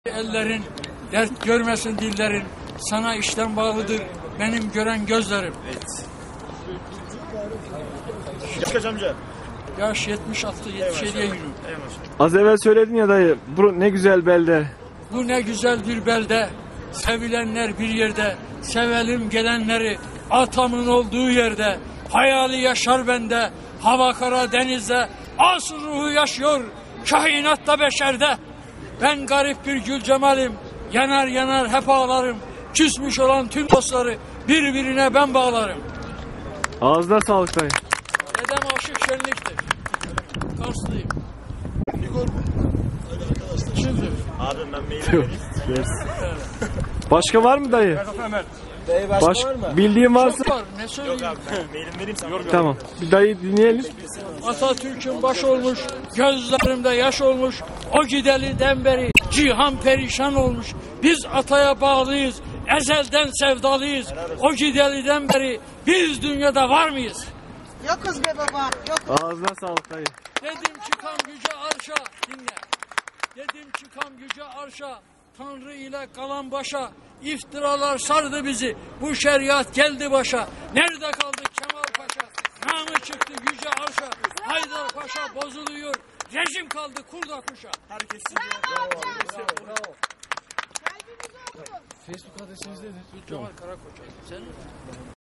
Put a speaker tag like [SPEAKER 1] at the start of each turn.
[SPEAKER 1] Ellerin, dert görmesin dillerin, sana işten bağlıdır benim gören gözlerim.
[SPEAKER 2] Evet. Kaç amca?
[SPEAKER 1] Yaş 76, 77'ye yürüyorum.
[SPEAKER 3] Az evvel söyledin ya dayı, bu ne güzel belde.
[SPEAKER 1] Bu ne güzel bir belde, sevilenler bir yerde, sevelim gelenleri, atamın olduğu yerde, hayali yaşar bende, hava kara denizde, asıl ruhu yaşıyor, kainatta beşerde. Ben garip bir gül cemalim, yanar yanar hep ağlarım, küsmüş olan tüm dostları birbirine ben bağlarım.
[SPEAKER 3] Ağzına sağlık dayı.
[SPEAKER 1] Dedem aşık şenliktir, Karslıyım. Şimdi.
[SPEAKER 2] Abim ben mail vereyim.
[SPEAKER 3] Başka var mı dayı?
[SPEAKER 1] Ömer.
[SPEAKER 3] Bildiğin varsa.
[SPEAKER 1] Çok var, ne söyleyeyim?
[SPEAKER 2] Yok abi ben mailimi vereyim sana.
[SPEAKER 3] Tamam. Bir dayı dinleyelim.
[SPEAKER 1] Atatürk'ün baş olmuş, gözlerimde yaş olmuş, o gideliden beri cihan perişan olmuş. Biz ataya bağlıyız, ezelden sevdalıyız. O gideliden beri biz dünyada var mıyız?
[SPEAKER 4] Yokuz be baba, yokuz.
[SPEAKER 3] Ağzına sağlık dayı.
[SPEAKER 1] Dedim çıkam yüce arşa, dinle. Dedim çıkam yüce arşa, Tanrı ile kalan başa. İftiralar sardı bizi, bu şeriat geldi başa. Nerede kaldı Kemal Paşa? Namı çıktı yüce arşa. Haydar Paşa bozuluyor, rejim kaldı kurda kuşa.
[SPEAKER 2] Herkes
[SPEAKER 4] Bravo.
[SPEAKER 1] Facebook adresiniz nedir? Cemal Karakoç. Sen